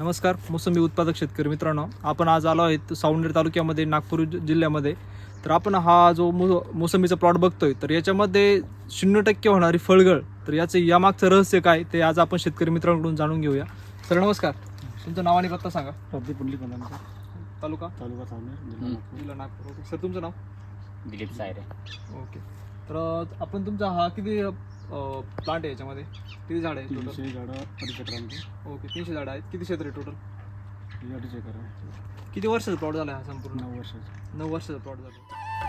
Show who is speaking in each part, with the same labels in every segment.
Speaker 1: नमस्कार मोसंबी उत्पादक शेतकरी मित्रांनो, आपण आज आलो आहेत सावनेर तालुक्यामध्ये नागपूर जिल्ह्यामध्ये. तर आपण हा जो मोसंबीचा प्लॉट बघतोय, तर याच्यामध्ये 0% होणारी फळगळ, तर याचं यामागचं रहस्य काय ते आज आपण शेतकरी मित्रांकडून जाणून घेऊया. सर नमस्कार, तुमचं नाव आणि पत्ता सांगा.
Speaker 2: प्रदीप पुंडलिक बंधांचा,
Speaker 1: तालुका
Speaker 2: सावनेर,
Speaker 1: जिल्हा नागपूर. ओके सर, तुमचं नाव?
Speaker 3: दिलीप सायरे.
Speaker 1: ओके. तर आपण तुमचा हा किती प्लांट आहे, याच्यामध्ये किती झाड आहे टोटल?
Speaker 2: 300 झाडं 2.5 एकरांची.
Speaker 1: ओके, 300 झाडं आहेत. किती क्षेत्र आहे टोटल?
Speaker 2: 2.5 एकर आहे.
Speaker 1: किती वर्षाचा प्लॉट झाला हा संपूर्ण?
Speaker 2: 9 वर्षाचं.
Speaker 1: 9 वर्षाचा प्लॉट झाला.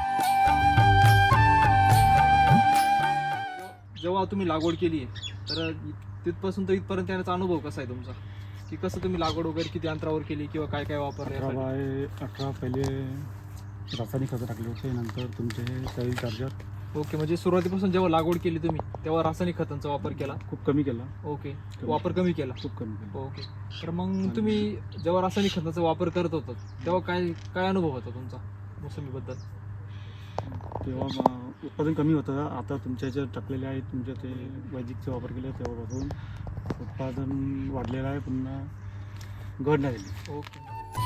Speaker 1: जेव्हा तुम्ही लागवड केली आहे, तर तिथपासून तर इथपर्यंत येण्याचा अनुभव कसा आहे तुमचा, की कसं तुम्ही लागवड वगैरे किती अंतरावर केली किंवा काय काय वापरलं
Speaker 2: 18
Speaker 1: यासाठी?
Speaker 2: बाय 18 पहिले रासायनिक खतं टाकले होते, नंतर तुमचे हे सॉईल चार्जर
Speaker 1: ओके, म्हणजे सुरुवातीपासून जेव्हा लागवड केली तुम्ही तेव्हा रासायनिक खतांचा वापर केला?
Speaker 2: खूप कमी केला.
Speaker 1: ओके, वापर कमी केला.
Speaker 2: खूप कमी केला.
Speaker 1: ओके. तर मग तुम्ही जेव्हा रासायनिक खताचा वापर करत होता तेव्हा काय काय अनुभव होता तुमचा मोसंबीबद्दल?
Speaker 2: तेव्हा उत्पादन कमी होतं. आता तुमच्या ह्याच्यात टाकलेले आहेत, तुमच्या ते वैदिकचा वापर केला तेव्हापासून उत्पादन वाढलेलं आहे, पुन्हा घट नाही झाली.
Speaker 1: ओके.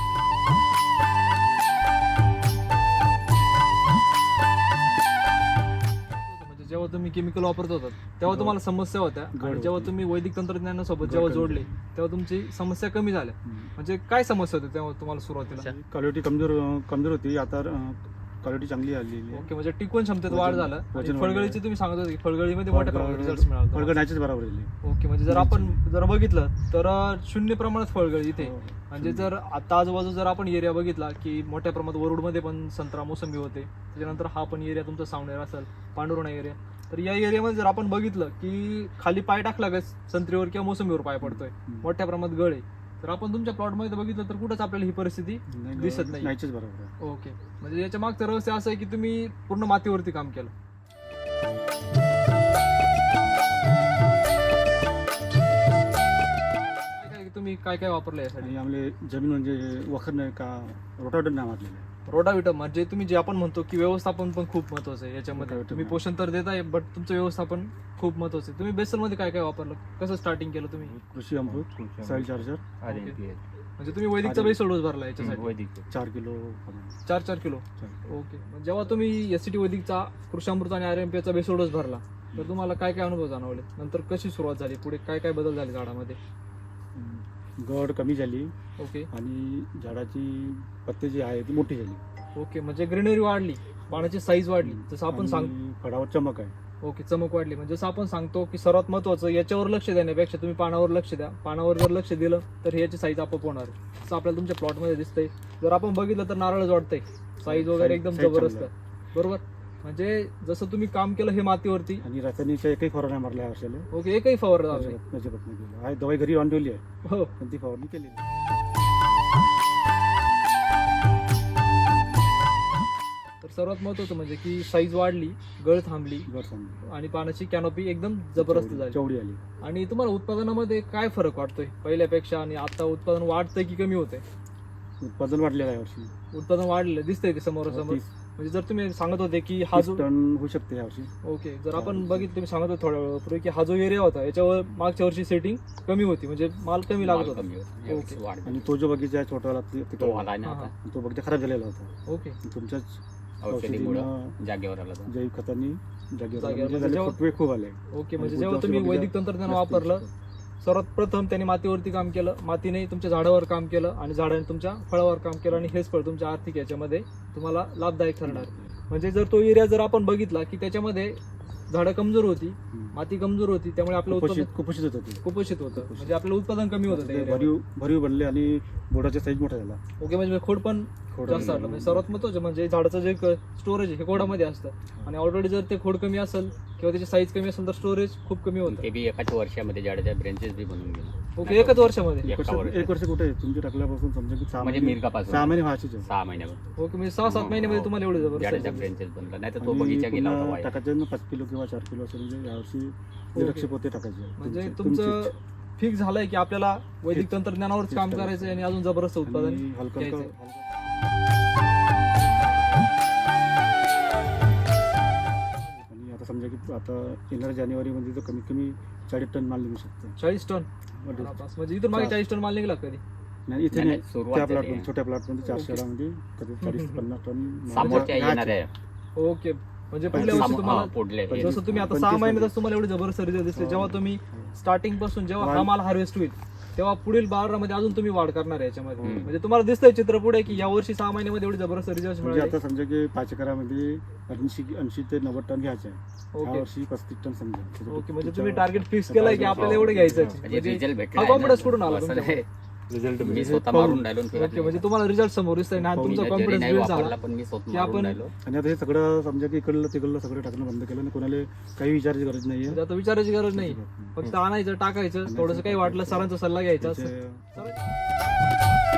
Speaker 1: म्हणजे जेव्हा तुम्ही केमिकल वापरत होतात तेव्हा तुम्हाला समस्या होत्या, आणि जेव्हा तुम्ही वैदिक तंत्रज्ञानासोबत जेव्हा जोडले तेव्हा तुमची समस्या कमी झाल्या. म्हणजे काय समस्या होती तेव्हा तुम्हाला सुरुवातीला?
Speaker 2: क्वालिटी कमजोर होती. आता क्वालिटी चांगली आलेली आहे.
Speaker 1: ओके, म्हणजे टिकवून क्षमतेत वाढ झालं. आणि
Speaker 2: वजन
Speaker 1: फळगळीची तुम्ही सांगत होते की फळगळीमध्ये मोठ्या प्रमाणात रिझल्ट मिळाला.
Speaker 2: फळगळ नाहीच बरोबर झाली.
Speaker 1: ओके, म्हणजे जर आपण बघितलं तर 0 प्रमाणात फळगळी इथे.
Speaker 2: हो.
Speaker 1: म्हणजे जर आता आजूबाजू जर आपण एरिया बघितला की मोठ्या प्रमाणात वरुडमध्ये पण संत्रा मोसंबी होते, त्याच्यानंतर हा पण एरिया तुमचा सावनेर असेल, पांडुरणा एरिया. तर या एरियामध्ये जर आपण बघितलं की खाली पाय टाकला का संत्रीवर किंवा मोसंबीवर पाय पडतोय, मोठ्या प्रमाणात गळ आहे. तर आपण तुमच्या प्लॉटमध्ये बघितलं तर कुठंच आपल्याला ही परिस्थिती दिसत नाही.
Speaker 2: नाहीच बरोबर आहे.
Speaker 1: ओके, म्हणजे याच्या मागचं रहस्य असं आहे की तुम्ही पूर्ण मातीवरती काम केलं. तुम्ही काय काय वापरलं यासाठी?
Speaker 2: आणि आमले जमीन म्हणजे वखर नाही का, रोटावेटर नाही मारलेलं आहे.
Speaker 1: रोटाव्हिटर म्हणजे तुम्ही जे आपण म्हणतो की व्यवस्थापन पण खूप महत्वाचं आहे याच्यामध्ये.
Speaker 2: रोटाव्हिटर
Speaker 1: तुम्ही पोषण तर देताय, बट तुमचं व्यवस्थापन खूप महत्वाचं आहे. तुम्ही बेसलमध्ये काय काय वापरलं, कसं स्टार्टिंग केलं तुम्ही?
Speaker 2: कृषी अमृत, सॉईल चार्जर,
Speaker 1: म्हणजे तुम्ही वैदिकचा बेसल डोस भरला याच्यासाठी?
Speaker 2: 4 किलो.
Speaker 1: 4 किलो. ओके, जेव्हा तुम्ही एसटी वैदिकचा कृषामृत आणि RMP चा बेसल डोस भरला तर तुम्हाला काय काय अनुभव जाणवले? नंतर कशी सुरुवात झाली, पुढे काय काय बदल झाले झाडामध्ये?
Speaker 2: गड कमी झाली.
Speaker 1: ओके.
Speaker 2: आणि झाडाची पत्ते जी आहे ती मोठी झाली.
Speaker 1: ओके, म्हणजे ग्रीनरी वाढली, पानाची साईज वाढली, जसं आपण सांग.
Speaker 2: आणि फळावर चमक आहे.
Speaker 1: ओके, चमक वाढली. म्हणजे जसं आपण सांगतो की सर्वात महत्वाचं याच्यावर लक्ष देण्यापेक्षा तुम्ही पानावर लक्ष द्या. पानावर जर लक्ष दिलं तर याची साईज आपोआप होणार आहे. असं आपल्याला तुमच्या प्लॉटमध्ये दिसतंय. जर आपण बघितलं तर नारळच वाटतंय, साईज वगैरे एकदम जबरदस्त आहे. बरोबर. म्हणजे जसं तुम्ही काम केलं हे मातीवरती.
Speaker 2: आणि रासायनिकच्या एकही फवारा नाही मारला वर्षाला.
Speaker 1: ओके, एकही फवारणी झाली?
Speaker 2: अजिबात नाही केलं आहे. दवाई घरी आणून ठेवली आहे,
Speaker 1: हो,
Speaker 2: पण ती फवारणी केली नाही.
Speaker 1: तर सर्वात महत्वाचं म्हणजे की साईज वाढली, गळ थांबली, आणि पानाची कॅनोपी एकदम जबरदस्त झाली,
Speaker 2: चवडी आली.
Speaker 1: आणि तुम्हाला उत्पादनामध्ये काय फरक वाटतोय पहिल्यापेक्षा? आणि आता उत्पादन वाढतंय की कमी होतंय?
Speaker 2: उत्पादन वाढलेलं आहे वर्षी.
Speaker 1: उत्पादन वाढलेलं दिसतंय ते समोरासमोर. म्हणजे जर तुम्ही सांगत होते की हा
Speaker 2: 30
Speaker 1: जो
Speaker 2: टन होऊ शकते यावर्षी.
Speaker 1: ओके, जर आपण बघितलं, तुम्ही सांगत होते थोड्या वेळापूर्वी की हा जो एरिया होता याच्यावर मागच्या वर्षी सेटिंग कमी होती, म्हणजे माल कमी लागत होता. ओके.
Speaker 2: आणि तो जो बगीचा आहे छोटावाला
Speaker 3: तो आला ना
Speaker 1: हा,
Speaker 3: आता
Speaker 2: तो बगीचा खराब झालेला होता.
Speaker 1: ओके.
Speaker 2: तुमच्याच
Speaker 3: औषधीमुळं जागेवर आला तो.
Speaker 2: जैविक खतांनी
Speaker 1: जागेवर
Speaker 2: म्हणजे
Speaker 1: म्हणजे जेव्हा-
Speaker 2: फुटवे खूप आले.
Speaker 1: ओके, म्हणजे
Speaker 2: आणि
Speaker 1: जेव्हा
Speaker 2: पुढच्या
Speaker 1: तुम्ही
Speaker 2: वर्षी
Speaker 1: वैदिक
Speaker 2: बगीचा
Speaker 1: तंत्रज्ञान
Speaker 2: जास्त
Speaker 1: वापरलं,
Speaker 2: दिसतो.
Speaker 1: सर्वात प्रथम त्यांनी मातीवरती काम केलं, मातीने तुमच्या झाडावर काम केलं, आणि झाडाने तुमच्या फळावर काम केलं, आणि हेच फळ तुमच्या आर्थिक याच्यामध्ये तुम्हाला लाभदायक ठरणार. म्हणजे जर तो एरिया जर आपण बघितला की त्याच्यामध्ये झाडं कमजोर होती, माती कमजोर होती, त्यामुळे आपलं उत्पादन
Speaker 2: कुपोषित होत होते.
Speaker 1: कुपोषित होतं. म्हणजे आपलं उत्पादन कमी होतं त्या area मध्ये.
Speaker 2: भरीव बनले आणि बोर्डाचा साईज मोठा झाला.
Speaker 1: ओके, म्हणजे खोड पण जास्त आलं. म्हणजे सर्वात महत्वाचं म्हणजे झाडाचं जे स्टोरेज आहे हे खोडामध्ये असतं, आणि ऑलरेडी जर ते खोड कमी असेल किंवा त्याची साईज कमी असेल तर स्टोरेज खूप कमी होतं.
Speaker 3: ते बी एकाच वर्षामध्ये झाडाच्या ब्रेंचेस बी बनून गेले.
Speaker 1: ओके, एकच वर्षामध्ये?
Speaker 2: एक वर्ष कुठे तुमची टाकल्यापासून समजा की 6
Speaker 3: म्हणजे
Speaker 2: महिने,
Speaker 3: मिरगापासून
Speaker 2: 6 महिने व्हायचे.
Speaker 3: 6 महिन्यावर
Speaker 1: ओके, म्हणजे 6-7 महिन्यामध्ये तुम्हाला एवढे
Speaker 3: झाडाच्या
Speaker 1: जबरदस्त.
Speaker 3: ब्रेंचेस बनला. नाही तर तो बगीचा गेला होता वाया.
Speaker 2: टाकायचे ना 5 किलो किंवा 4 किलो असं, म्हणजे यावर्षी निरक्षक पोते टाकायचे.
Speaker 1: म्हणजे तुमचं फिक्स झालंय की आपल्याला वैदिक तंत्रज्ञानावरच काम करायचं आणि अजून जबरदस्त उत्पादन घ्यायचंय.
Speaker 2: आणि आता समजा की आता येणाऱ्या जानेवारीमध्ये तर कमीत कमी 40 टन माल निघू शकतो.
Speaker 1: 40 टन? म्हणजे इथून मागे 40 टन माल निघाला कधी?
Speaker 2: नाही इथे
Speaker 3: नाही,
Speaker 2: नाही,
Speaker 3: नाही, सुरुवात
Speaker 2: त्या
Speaker 3: झाली
Speaker 2: प्लॉट
Speaker 3: आहे.
Speaker 2: छोट्या प्लॉटमध्ये 400
Speaker 1: ओके.
Speaker 2: झाडामध्ये कधी 40 ते 50 टन
Speaker 3: समोरच्या
Speaker 2: घ्यायचे.
Speaker 3: येणार आहे
Speaker 1: ओके म्हणजे पुढल्या वर्षी तुम्हाला
Speaker 3: पुढले
Speaker 1: जसं तुम्ही आता
Speaker 2: 25
Speaker 1: 6 महिन्यातच तुम्हाला एवढे जबरदस्त रिझल्ट दिसले. जेव्हा तुम्ही स्टार्टिंग पासून जेव्हा हा माल हार्वेस्ट होईल तेव्हा पुढील 12 मध्ये अजून तुम्ही वाढ करणार आहे याच्यामध्ये. म्हणजे तुम्हाला दिसतंय चित्र पुढे की या वर्षी 6 महिन्यामध्ये एवढे जबरदस्त रिझल्ट
Speaker 2: म्हणजे
Speaker 1: मिळाले.
Speaker 2: आता समजा की 5 एकरामध्ये 80 ते 90 टन घ्यायचे आहे.
Speaker 1: ओके.
Speaker 2: या वर्षी 35 टन समजा.
Speaker 1: ओके म्हणजे तुम्ही टार्गेट फिक्स केलंय की आपल्याला एवढं घ्यायचं आहे.
Speaker 3: म्हणजे रिझल्ट भेटला
Speaker 1: हा
Speaker 3: आहे ना.
Speaker 1: confidence कुठून आला
Speaker 3: असं
Speaker 1: तुमच्यामध्ये?
Speaker 3: नाही.
Speaker 2: रिझल्ट
Speaker 3: मी स्वतः मारून राहिलो आणि फिरत
Speaker 1: ओके म्हणजे
Speaker 3: नाही.
Speaker 1: तुम्हाला रिझल्ट समोर दिसतंय ना आणि
Speaker 2: हो,
Speaker 1: तुमचा
Speaker 3: मी जरी
Speaker 1: कॉन्फिडन्स
Speaker 3: नाही
Speaker 1: बिल्ड
Speaker 3: वापरला
Speaker 1: झाला
Speaker 3: पण मी स्वतः
Speaker 1: की
Speaker 3: मारून
Speaker 1: आपण-
Speaker 3: राहिलो.
Speaker 2: आणि आता हे सगळं समजा की इकडलं तिकडलं सगळं टाकणं बंद केलं आणि कोणाला काही विचारायची गरज नाहीये.
Speaker 1: म्हणजे आता विचारायची गरज नाही. फक्त आणायचं टाकायचं थोडंसं काही वाटलं सरांचा सल्ला घ्यायचा असं.
Speaker 2: त्याचे-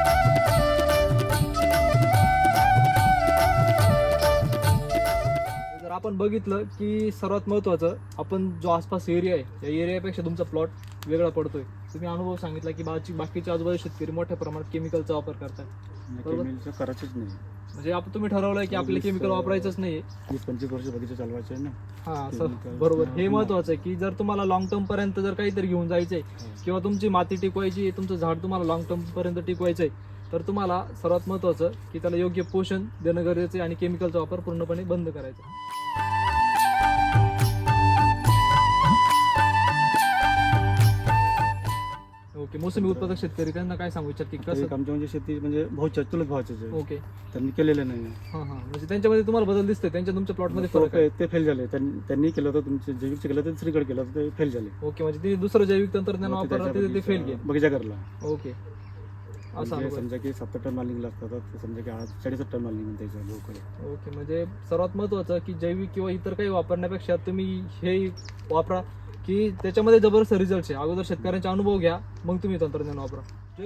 Speaker 1: जर आपण बघितलं की सर्वात महत्वाचं आपण जो आसपास एरिया आहे या एरियापेक्षा तुमचा प्लॉट वेगळा पडतोय. तुम्ही अनुभव सांगितला की बाकीचे आजूबाजू शेतकरी मोठ्या प्रमाणात केमिकलचा वापर करतात. बरोबर.
Speaker 2: केमिकलचं करायचंच नाही.
Speaker 1: म्हणजे आपण तुम्ही ठरवलंय की आपल्याला केमिकल वापरायचंच नाहीये.
Speaker 2: 20-25 वर्ष बगीचा चालवायचे आहे ना.
Speaker 1: हा असं
Speaker 2: Chemical.
Speaker 1: बरोबर. हे महत्वाचं आहे की जर तुम्हाला लॉंग टर्म पर्यंत जर काहीतरी घेऊन जायचंय किंवा तुमची माती टिकवायची तुमचं झाड तुम्हाला लॉंग टर्म पर्यंत टिकवायचंय तर तुम्हाला सर्वात महत्वाचं की त्याला योग्य पोषण देणं गरजेचं आहे आणि केमिकलचा वापर पूर्णपणे बंद करायचा. ओके मोसमी उत्पादक शेतकरी त्यांना काय सांगू इच्छित की
Speaker 2: आता
Speaker 1: कसं?
Speaker 2: एक आमच्या म्हणजे शेती म्हणजे भाऊच्या चुलत भावाचेच आहे.
Speaker 1: ओके
Speaker 2: त्यांनी केलेलं नाही.
Speaker 1: हा हा म्हणजे त्यांच्यामध्ये तुम्हाला बदल दिसतोय त्यांच्या तुमच्या प्लॉटमध्ये फरक आहे.
Speaker 2: ते फेल झाले. त्यांनी केलं होतं तुमचे जैविकचे केलं तर श्रीगड केलं होतं ते फेल झाले.
Speaker 1: ओके म्हणजे ते दुसरं जैविक तंत्रज्ञान
Speaker 2: मग
Speaker 1: वापरलं
Speaker 2: त्याच्या
Speaker 1: ते फेल गेले.
Speaker 2: बगीचा करला.
Speaker 1: ओके असं
Speaker 2: म्हणजे
Speaker 1: अनुभव आहे.
Speaker 2: समजा की 70 टन माल निघला असता तर समजा की आज 40 टन माल निघून त्याच्या लोकडे.
Speaker 1: ओके म्हणजे सर्वात महत्वाचं की जैविक किंवा इतर काही वापरण्यापेक्षा तुम्ही हे वापरा की त्याच्यामध्ये जबरदस्त रिझल्ट आहे. अगोदर शेतकऱ्यांचा अनुभव घ्या मग तुम्ही तंत्रज्ञान वापरा.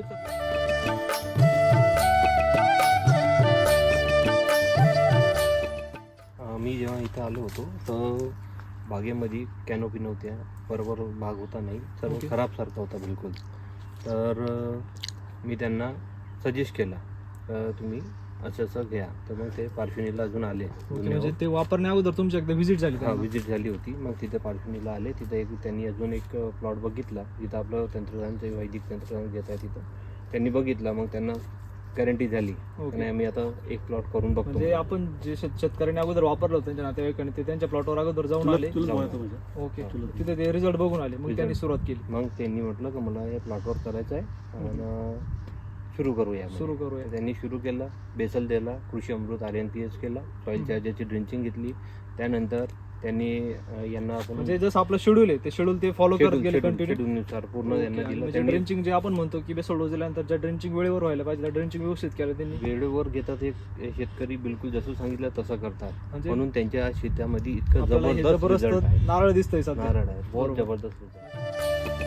Speaker 4: मी जेव्हा इथं आलो होतो तर बागेमध्ये कॅनोपी नव्हत्या, बरोबर भाग होता नाही, सर्व
Speaker 1: ओके.
Speaker 4: खराबसारखा होता बिलकुल. तर मी त्यांना सजेस्ट केला तुम्ही असं असं घ्या. तर मग ते पार्श्वनीला अजून आले.
Speaker 1: ओके म्हणजे ते वापरण्या अगोदर तुमची एकदा व्हिजिट झाली
Speaker 4: हा
Speaker 1: त्यांना?
Speaker 4: विजिट झाली होती. मग तिथे पार्श्वनीला आले. तिथं त्यांनी अजून एक प्लॉट बघितला जिथं आपलं तंत्रज्ञान वैदिक तंत्रज्ञान घेत आहे तिथं त्यांनी बघितला. मग त्यांना गॅरंटी झाली
Speaker 1: ओके.
Speaker 4: आणि आम्ही आता एक प्लॉट करून बघतो.
Speaker 1: म्हणजे आपण जे शेतकऱ्यांनी अगोदर वापरलं होतं त्यांच्या नातेवाईकांनी ते त्यांच्या प्लॉटवर अगोदर जाऊन आले.
Speaker 2: चुलत भाऊ
Speaker 4: जाऊन
Speaker 2: होता माझा.
Speaker 1: ओके
Speaker 2: चुलत.
Speaker 1: तिथे ते रिझल्ट बघून आले मग
Speaker 4: Result.
Speaker 1: त्यांनी सुरुवात केली.
Speaker 4: मग त्यांनी म्हटलं की मला या प्लॉटवर करायचं आहे आणि सुरू करूया.
Speaker 1: सुरू करूया.
Speaker 4: तर त्यांनी सुरू केलं. बेसल दिला, कृषी अमृत RNPS केला, सॉईल चार्जरची ड्रिंचिंग घेतली. त्यानंतर त्यांनी यांना आपण
Speaker 1: म्हणजे जसं आपलं शेड्यूल आहे ते शेड्यूल ते फॉलो करत गेले कंटिन्यू.
Speaker 4: शेड्यूलनुसार पूर्ण त्यांना दिलं.
Speaker 1: म्हणजे
Speaker 4: त्यांनी
Speaker 1: ड्रिंचिंग जे आपण म्हणतो की बेसोड दिल्यानंतर ज्या ड्रिंचिंग वेळेवर व्हायला पाहिजे त्या ड्रिंचिंग व्यवस्थित केलं त्यांनी.
Speaker 4: वेळेवर घेतात. एक शेतकरी बिलकुल जसं सांगितलं तसं करतात.
Speaker 1: म्हणजे
Speaker 4: म्हणून त्यांच्या शेतामध्ये इतकं
Speaker 1: आपल्याला हे
Speaker 4: जबरदस्त result आहे.
Speaker 1: नारळ दिसतंय सध्या.
Speaker 4: नारळ आहे बहुत
Speaker 1: बरोबर.
Speaker 4: जबरदस्त result आहे.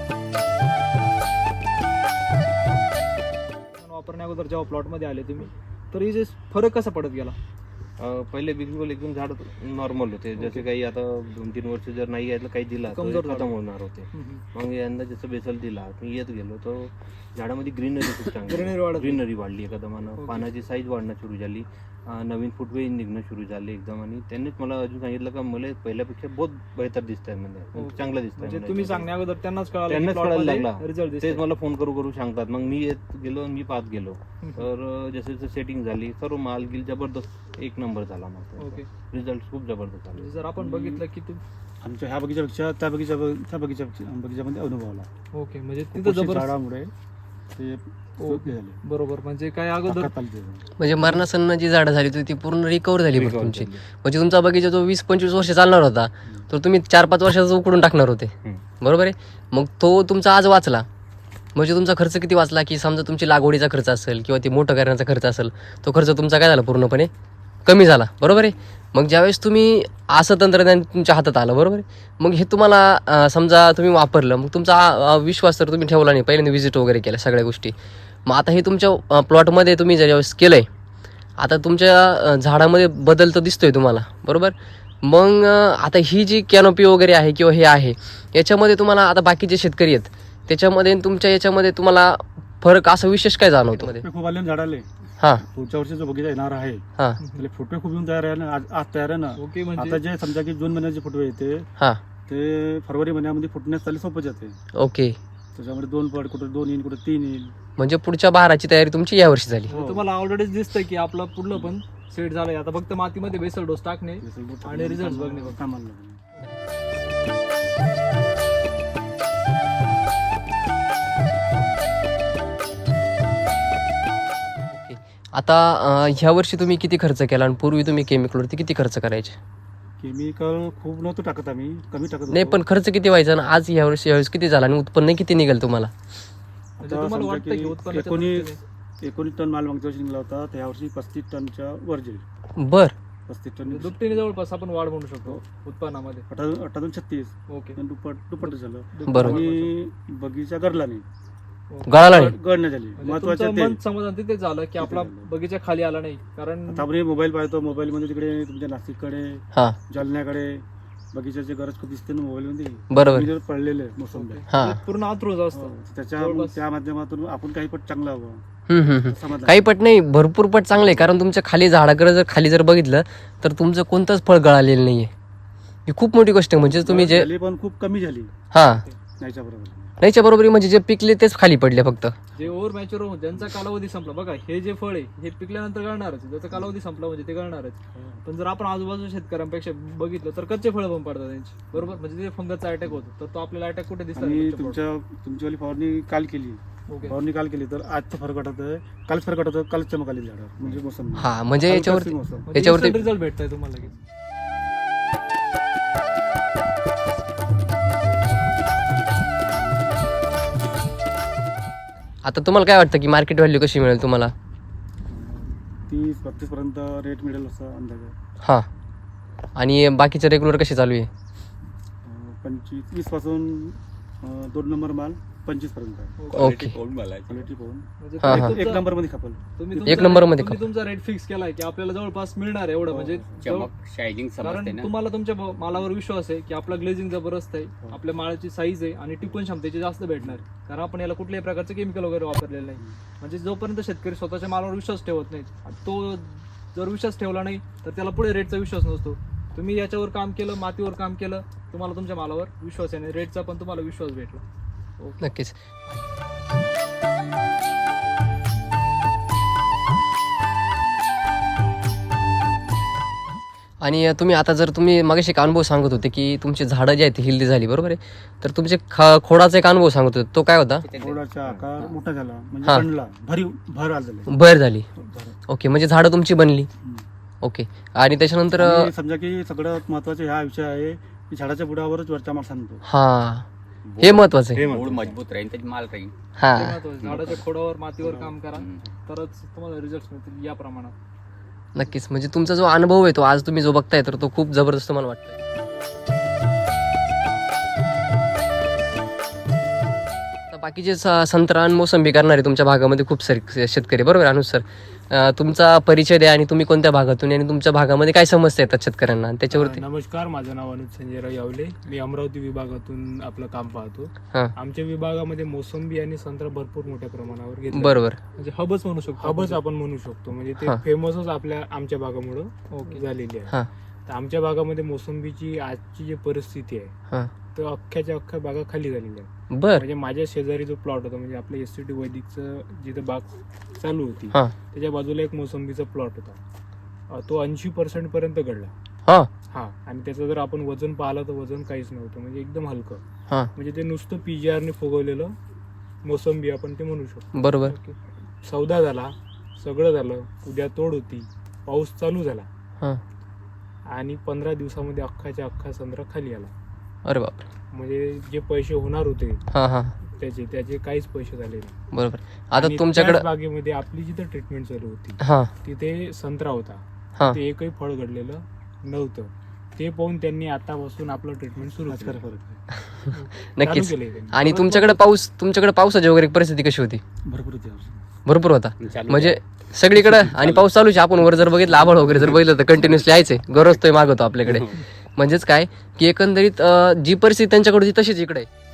Speaker 1: वापरण्या अगोदर जेव्हा प्लॉट मध्ये आले तुम्ही तर हे जे फरक कसा पडत गेला?
Speaker 4: पहिले बिलकुल एकदम झाड नॉर्मल होते. जसे काही आता 2-3 वर्ष जर नाही यायला काही दिला तर
Speaker 1: कमजोर
Speaker 4: ते
Speaker 1: झाड.
Speaker 4: खतम होणार होते. मग यंदा जसं बेसल दिला मी येत गेलो तर झाडामध्ये ग्रीनरी खूप
Speaker 1: Greenery वाढत
Speaker 4: चांगली ग्रीनरी वाढली एकदमानं.
Speaker 1: Okay.
Speaker 4: पानाची साईज वाढणं सुरू झाली. नवीन फुटवे निघणं सुरू झाले एकदम. आणि त्यांनीच मला अजून सांगितलं का मला पहिल्यापेक्षा बहुत बेहतर दिसत आहे म्हणजे
Speaker 1: Okay.
Speaker 4: चांगलं दिसत
Speaker 1: म्हणजे
Speaker 4: आहे.
Speaker 1: तुम्ही सांगण्या अगोदर त्यांनाच
Speaker 4: त्यांनाच कळायला लागला.
Speaker 1: रिझल्ट
Speaker 4: तेच मला फोन करू सांगतात. मग मी येत गेलो आणि मी पाहत गेलो. तर जसे जसं सेटिंग झाली सर्व माल गिल जबरदस्त एक नंबर झाला. मग
Speaker 1: ओके
Speaker 4: रिझल्ट खूप जबरदस्त आले.
Speaker 1: जर आपण बघितलं की
Speaker 2: आमच्या ह्या बगीच्यापेक्षा त्या बगीच्यामध्ये अनुभव आला.
Speaker 1: ओके म्हणजे तिथं
Speaker 2: कुशीत
Speaker 1: जबरदस्त
Speaker 2: झाडामुळे ते
Speaker 1: ओके.
Speaker 2: हे झाले.
Speaker 1: बरोबर म्हणजे काय अगोदर
Speaker 2: ताकद आली त्याच्यात.
Speaker 5: म्हणजे मरणासन्न जी झाडं झाली होती ती पूर्ण रिकवर झाली बरं
Speaker 4: Recover
Speaker 5: तुमची.
Speaker 4: झाली.
Speaker 5: म्हणजे तुमचा बगीचा जो 20-25 वर्ष चालणार होता तर तुम्ही 4-5 वर्षाचा उकडून टाकणार होते. बरोबर आहे. मग तो तुमचा आज वाचला. म्हणजे तुमचा खर्च किती वाचला की समजा तुमची लागवडीचा खर्च असेल किंवा ती मोठं करण्याचा खर्च असेल तो खर्च तुमचा काय झाला पूर्णपणे कमी झाला. बरोबर आहे. मग ज्यावेळेस तुम्ही असं तंत्रज्ञान तुमच्या हातात आलं बरोबर आहे मग हे तुम्हाला समजा तुम्ही वापरलं मग तुमचा विश्वास तर तुम्ही ठेवला नाही. पहिल्यांदा व्हिजिट वगैरे केल्या सगळ्या गोष्टी. मग आता हे तुमच्या प्लॉटमध्ये तुम्ही ज्यावेळेस केलं आहे आता तुमच्या झाडामध्ये बदल तर दिसतोय तुम्हाला बरोबर. मग आता ही जी कॅनोपी वगैरे आहे किंवा हे आहे याच्यामध्ये तुम्हाला आता बाकीचे शेतकरी आहेत त्याच्यामध्ये तुमच्या याच्यामध्ये तुम्हाला फरक असं विशेष काय जाणवतो मध्ये?
Speaker 2: फुटवे खूप आले ना झाडाले.
Speaker 5: हां
Speaker 2: पुढच्या वर्षी जो बगीचा येणार आहे
Speaker 5: हां
Speaker 2: त्याला फुटवे खूप येऊन तयार आहे ना. आज तयार आहे ना.
Speaker 1: ओके
Speaker 2: आता
Speaker 1: म्हणजे
Speaker 2: जे समजा की जून महिन्याचे फुटवे येते
Speaker 5: हां
Speaker 2: ते फरवरी महिन्यामध्ये फुटण्यास त्याला सोपं जाते.
Speaker 5: ओके
Speaker 2: त्याच्यामध्ये 2 पड कुठे 2 येईल कुठे 3 येईल.
Speaker 5: म्हणजे पुढच्या बहाराची तयारी तुमची यावर्षी झाली.
Speaker 2: हो.
Speaker 1: तुम्हाला ऑलरेडीच दिसतंय की आपलं पुढलं पण सेट झालंय. आता फक्त मातीमध्ये बेसल डोस टाकणे आणि रिझल्ट बघणे फक्त.
Speaker 2: कामाला लागले.
Speaker 5: आता ह्या वर्षी तुम्ही किती खर्च केला आणि पूर्वी तुम्ही केमिकलवरती किती खर्च करायचे?
Speaker 2: केमिकल खूप नव्हतं टाकत आम्ही, कमी टाकत
Speaker 5: नाही, पण खर्च किती व्हायचा आणि आज यावेळेस किती झाला आणि उत्पन्न किती निघेल तुम्हाला?
Speaker 1: म्हणजे
Speaker 2: आता
Speaker 1: तुम्हाला
Speaker 2: समजा
Speaker 1: वाटतं की
Speaker 2: की
Speaker 1: उत्पन्नाच्या
Speaker 2: 19 टन माल मागच्या वर्षी निघाला होता, त्या वर्षी 35 टनच्या वर जाईल.
Speaker 5: बर
Speaker 2: 35 टन
Speaker 1: दृष्टीने दुपटीने जवळपास आपण वाढ म्हणू शकतो उत्पन्नामध्ये.
Speaker 2: 36
Speaker 1: ओके.
Speaker 2: दुप्पट झालं.
Speaker 5: बरोबर.
Speaker 2: आणि बगीचा गडला नाही,
Speaker 5: गळाला नाही.
Speaker 2: गड नाही झाली.
Speaker 1: म्हणजे
Speaker 2: महत्वाचं
Speaker 1: तुमचं
Speaker 2: ते
Speaker 1: मन समाधान तिथे झालं की आपला
Speaker 2: झालं.
Speaker 1: बगीचा खाली आला नाही. कारण
Speaker 2: आता आपण मोबाईल पाहतो, मोबाईल मध्ये तिकडे तुमच्या नाशिककडे,
Speaker 5: हा
Speaker 2: जालन्याकडे बगीच्याची गरज खूप दिसते ना मोबाईल मध्ये.
Speaker 5: बरोबर.
Speaker 2: मी जर पडलेले मोसंबी
Speaker 5: हा.
Speaker 1: ते पूर्ण आतुरच असतं. जवळपास.
Speaker 2: त्या माध्यमातून आपण काही पण चांगला हवं समाधान.
Speaker 5: काही पट नाही, भरपूर पट चांगले आहे. कारण तुमच्या खाली झाडाकडे जर खाली जर बघितलं तर तुमचं कोणतंच फळ गळालेलं नाहीये. ही खूप मोठी गोष्ट आहे. म्हणजे तुम्ही जे
Speaker 2: झाली पण खूप कमी झाली
Speaker 5: हा
Speaker 2: नाहीच्या बरोबर.
Speaker 5: नाहीच्या बरोबरी म्हणजे जे पिकले तेच खाली पडले फक्त.
Speaker 1: जे ओव्हर मॅच्युअर होऊन ज्यांचा कालावधी संपला, बघा हे जे फळ आहे हे पिकल्यानंतर गळणारच, ज्याचा कालावधी संपला म्हणजे ते गळणारच. पण जर आपण आजूबाजूच्या शेतकऱ्यांपेक्षा बघितलं तर कच्चे फळं पण पडतात त्यांची, बरोबर. म्हणजे ते फंगसचा अटॅक होतो, तर तो आपल्याला अटॅक कुठे
Speaker 2: आणि
Speaker 1: दिसतात?
Speaker 2: तुमच्यावाली फवारणी काल केली,
Speaker 1: ओके.
Speaker 2: फवारणी काल केली तर आजचं फरक वाटत आहे, कालच फरक वाटत, कालच चमक आली झाडावर. म्हणजे मोसंबी
Speaker 5: हा म्हणजे याच्यावरती
Speaker 2: मोसंबी.
Speaker 5: याच्यावरती
Speaker 1: रिझल्ट भेटताय तुम्हाला लगेच.
Speaker 5: आता तुम्हाला काय वाटतं की मार्केट व्हॅल्यू कशी मिळेल तुम्हाला?
Speaker 2: 30-32 पर्यंत रेट मिळेल असं अंदाज आहे.
Speaker 5: हा. आणि बाकीचे रेग्युलर कसे चालू आहे?
Speaker 2: 25-20 पासून 2 नंबर माल 25 पर्यंत आहे.
Speaker 5: ओके.
Speaker 2: क्वालिटी पाहून
Speaker 1: म्हणजे
Speaker 5: हा,
Speaker 1: तुम्ही
Speaker 5: हा.
Speaker 2: एक
Speaker 1: तुमचा-
Speaker 2: नंबर मध्ये खपल.
Speaker 1: तुम्ही
Speaker 5: एक
Speaker 1: तुमचा
Speaker 5: नंबरमध्ये
Speaker 1: तुम्ही तुमचा रेट फिक्स केलाय की आपल्याला जवळपास मिळणार आहे एवढं. म्हणजे
Speaker 3: चमक शायनिंग समजते
Speaker 1: कारण
Speaker 3: ना.
Speaker 1: तुम्हाला तुमच्या मालावर विश्वास आहे की आपला ग्लेझिंग जबरदस्त आहे, आपल्या मालाची साईज आहे आणि टिकून क्षमतेची जास्त भेटणार आहे. कारण आपण याला कुठल्याही प्रकारचं केमिकल वगैरे वापरलेलं नाही. म्हणजे जोपर्यंत शेतकरी स्वतःच्या मालावर विश्वास ठेवत नाही, तो जर विश्वास ठेवला नाही तर त्याला पुढे रेटचा विश्वास नसतो. तुम्ही याच्यावर काम केलं, मातीवर काम केलं, तुम्हाला तुमच्या मालावर विश्वास आहे आणि रेटचा पण तुम्हाला विश्वास भेटला.
Speaker 5: नक्कीच. आणि तुम्ही आता जर तुम्ही मागाशी एक अनुभव सांगत होते की तुमची झाडं जी आहेत ती हेल्दी झाली, बरोबर आहे? तर तुमचे खोडाचा एक अनुभव सांगत होते, तो काय होता?
Speaker 2: थोडाचा आकार मोठा झाला,
Speaker 5: हा.
Speaker 2: म्हणजे बनला, भर आलेला.
Speaker 5: भर झाली. ओके, म्हणजे झाडं तुमची बनली. ओके. आणि त्याच्यानंतर
Speaker 2: आणि समजा की सगळ्यात महत्वाचा हा विषय आहे की झाडाच्या बुडावरच वरचा माल सांगतो.
Speaker 5: हा, हे महत्वाचं आहे.
Speaker 3: मूळ मजबूत राहील त्याची माल राहील.
Speaker 5: हा,
Speaker 1: ते महत्त्वाचं. झाडाच्या खोडावर मातीवर काम करा तरच तुम्हाला रिझल्ट मिळतील या प्रमाणात.
Speaker 5: नक्कीच. म्हणजे तुमचा जो अनुभव आहे तो आज तुम्ही जो बघताय तर तो खूप जबरदस्त मला वाटतोय. आता बाकीचे संत्रा आणि मोसंबी करणारे तुमच्या भागामध्ये खूप सारे शेतकरी, बरोबर अनुज सर? तुमचा परिचय द्या आणि तुम्ही कोणत्या भागातून आणि तुमच्या भागामध्ये काय समस्या येतात शेतकऱ्यांना आणि त्याच्यावरती.
Speaker 6: नमस्कार, माझं नाव अनुज संजयराव यावले. मी अमरावती विभागातून आपलं काम पाहतो.
Speaker 5: हा.
Speaker 6: आमच्या विभागामध्ये मोसंबी आणि संत्रा भरपूर मोठ्या प्रमाणावर घेतलं.
Speaker 5: बरोबर.
Speaker 1: म्हणजे हबच म्हणू शकतो.
Speaker 6: हबच आपण म्हणू शकतो. म्हणजे ते
Speaker 5: हा.
Speaker 6: फेमसच आमच्या भागामुळं
Speaker 1: ओके.
Speaker 6: झालेली आहे.
Speaker 5: हा.
Speaker 6: तर आमच्या भागामध्ये मोसंबीची आजची जी परिस्थिती
Speaker 5: हा.
Speaker 6: आहे तर अख्ख्या बागा खाली झालेल्या आहे.
Speaker 5: बर.
Speaker 6: म्हणजे माझ्या शेजारी जो प्लॉट होता, म्हणजे आपल्या SCT वैदिकचं जिथं बाग चालू होती
Speaker 5: हा.
Speaker 6: त्याच्या बाजूला एक मोसंबीचा प्लॉट होता. तो 80% पर्यंत घडला.
Speaker 5: हा.
Speaker 6: हा. आणि त्याचं जर आपण वजन पाहिलं तर वजन काहीच नव्हतं, म्हणजे एकदम हलकं.
Speaker 5: हा.
Speaker 6: म्हणजे ते नुसतं PGR ने फुगवलेलं मोसंबी आपण ते म्हणू शकतो.
Speaker 5: बरोबर.
Speaker 6: सौदा झाला, सगळं झालं, उद्या तोड होती, पाऊस चालू झाला
Speaker 5: हा.
Speaker 6: आणि 15 दिवसामध्ये अख्खा संत्रा खाली आला.
Speaker 5: अरे बाप.
Speaker 6: म्हणजे जे पैसे होणार होते
Speaker 5: हा. हा.
Speaker 6: त्याचे काहीच पैसे झाले नाही.
Speaker 5: बरोबर. आता
Speaker 6: आणि
Speaker 5: तुमच्याकडे
Speaker 6: त्याच बागेमध्ये आपली जिथं ट्रीटमेंट चालू होती
Speaker 5: हा.
Speaker 6: तिथे संत्रा होता,
Speaker 5: हा.
Speaker 6: ते एकही फळ घडलेलं नव्हतं. ते पाहून त्यांनी आतापासून आपलं ट्रीटमेंट सुरू
Speaker 2: आज
Speaker 6: केलं.
Speaker 2: खरं फरक आहे.
Speaker 5: नक्कीच.
Speaker 6: चालू केलंय त्यांनी.
Speaker 5: आणि तुमच्याकडे पावसाची वगैरे परिस्थिती कशी होती?
Speaker 2: भरपूर होती यावर्षी.
Speaker 5: भरपूर होता.
Speaker 3: चालू
Speaker 5: म्हणजे सगळीकडे आणि पाऊस चालूच आहे. आपण वर जर बघितलं, आभाळ वगैरे जर बघितलं तर कंटिन्युअसली यायचे, गरजतोय मागवतो आपल्याकडे. म्हणजेच काय की एकंदरीत जी परिस्थिती त्यांच्याकडे होती तशीच इकडे आहे.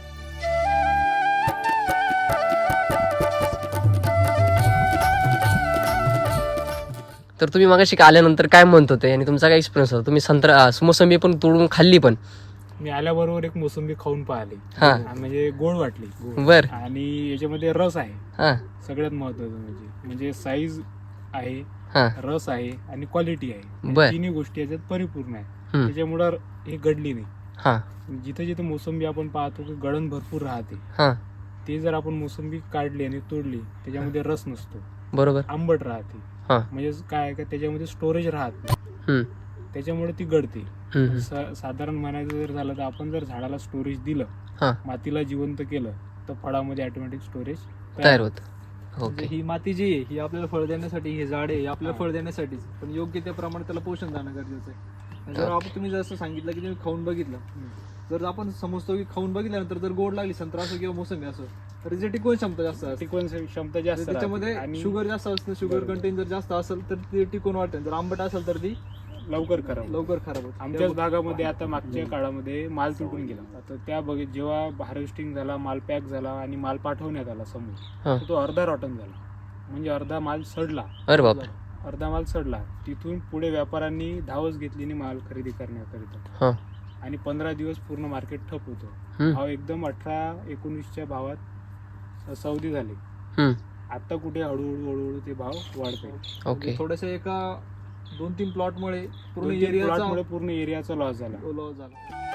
Speaker 5: तर तुम्ही मागाशी आल्यानंतर काय म्हणत होते आणि तुमचा काय एक्सपिरियन्स होता? तुम्ही संत्रा मोसंबी पण तोडून खाल्ली पण
Speaker 6: मी आल्याबरोबर एक मोसंबी खाऊन पाहिली
Speaker 5: हा.
Speaker 6: म्हणजे गोड वाटली
Speaker 5: बर
Speaker 6: आणि याच्यामध्ये रस आहे
Speaker 5: हा
Speaker 6: सगळ्यात महत्वाचं म्हणजे साईज आहे,
Speaker 5: हा
Speaker 6: रस आहे आणि क्वालिटी आहे.
Speaker 5: बर.
Speaker 6: तिन्ही गोष्टी याच्यात परिपूर्ण आहे.
Speaker 5: हम्म.
Speaker 6: त्याच्यामुळं हे गडली नाही.
Speaker 5: हा
Speaker 6: जिथे जिथे मोसंबी आपण पाहतो की गळण भरपूर राहते,
Speaker 5: हा
Speaker 6: ते जर आपण मोसंबी काढली आणि तोडली त्याच्यामध्ये रस नसतो,
Speaker 5: बरोबर
Speaker 6: आंबट राहते.
Speaker 5: हा.
Speaker 6: म्हणजे काय आहे का त्याच्यामध्ये स्टोरेज राहत नाही,
Speaker 5: हम्म,
Speaker 6: त्याच्यामुळे ती गळते.
Speaker 5: हम्म,
Speaker 6: साधारण म्हणायचं जर झालं तर आपण जर झाडाला स्टोरेज दिलं,
Speaker 5: हा.
Speaker 6: मातीला जिवंत केलं, तर फळामध्ये ऑटोमॅटिक स्टोरेज
Speaker 5: तयार होत.
Speaker 1: म्हणजे
Speaker 5: ओके
Speaker 1: ही माती जी आहे ही आपल्याला फळ देण्यासाठी, हे झाड आहे हे आपल्याला फळ देण्यासाठीच, पण योग्य त्या प्रमाणात त्याला पोषण देणं गरजेचं आहे. आणि जर आपण तुम्ही जसं सांगितलं की तुम्ही खाऊन बघितलं, जर आपण समजतो की खाऊन बघितल्यानंतर जर गोड लागली संत्रा असो किंवा मोसंबी असो, तर त्याची टिकवण क्षमता जास्त असते.
Speaker 6: टिकवण क्षमता जास्त राहते.
Speaker 1: त्याच्यामध्ये
Speaker 6: आणि
Speaker 1: शुगर जास्त असतं, शुगर कंटेंट जर जास्त असेल तर ती टिकून वाटेल, जर आंबट असेल तर ती
Speaker 6: लवकर खराब
Speaker 1: लवकर खराब होते.
Speaker 6: आमच्याच भागामध्ये आता मागच्या काळामध्ये माल तुटून गेला. आता त्या जेव्हा हार्वेस्टिंग झाला, माल पॅक झाला आणि माल पाठवण्यात आला समोर,
Speaker 5: हा.
Speaker 6: तर तो अर्धा रॉटन झाला, म्हणजे अर्धा माल सडला.
Speaker 5: अरे बाप
Speaker 6: अर्धा माल सडला. तिथून पुढे व्यापाऱ्यांनी धावच घेतली नाही माल खरेदी करण्याकरिता,
Speaker 5: हा
Speaker 6: आणि 15 दिवस पूर्ण मार्केट ठप होतं.
Speaker 5: हम्म.
Speaker 6: भाव एकदम 18-19च्या भावात सौदी झाले.
Speaker 5: हम्म,
Speaker 6: आता कुठे हळूहळू ते भाव वाढते.
Speaker 5: ओके
Speaker 1: थोडेसे एका 2-3 प्लॉटमुळे पूर्ण
Speaker 6: 2-3
Speaker 1: एरियाचा
Speaker 6: प्लॉटमुळे पूर्ण एरियाचा लॉस झाला.
Speaker 1: लॉस झाला.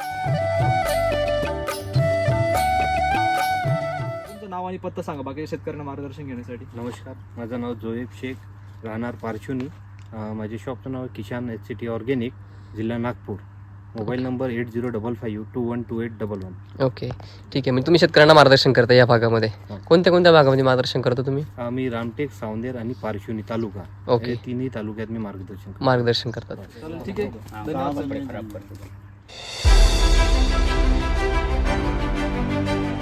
Speaker 1: तुमचं नाव आणि पत्ता सांगा बाकी शेतकऱ्यांना मार्गदर्शन घेण्यासाठी.
Speaker 4: नमस्कार, माझं नाव जोएब शेख, राहणार पारचुनी. माझे शॉपचं नाव किसान HCT ऑर्गॅनिक, जिल्हा नागपूर. Mobile number 8055212811.
Speaker 5: ओके ठीक आहे. म्हणजे तुम्ही शेतकऱ्यांना मार्गदर्शन करता या भागामध्ये.
Speaker 4: हा.
Speaker 5: कोणत्या कोणत्या भागामध्ये मार्गदर्शन करता तुम्ही?
Speaker 4: मी रामटेक, सावंदेर आणि पारचुनी तालुका
Speaker 5: ओके.
Speaker 4: या तिन्ही तालुक्यात मी मार्गदर्शन करतो.
Speaker 5: मार्गदर्शन करतात.
Speaker 1: चालेल, ठीक आहे.
Speaker 3: हा,
Speaker 1: धन्यवाद.
Speaker 3: कपडे खराब करतो.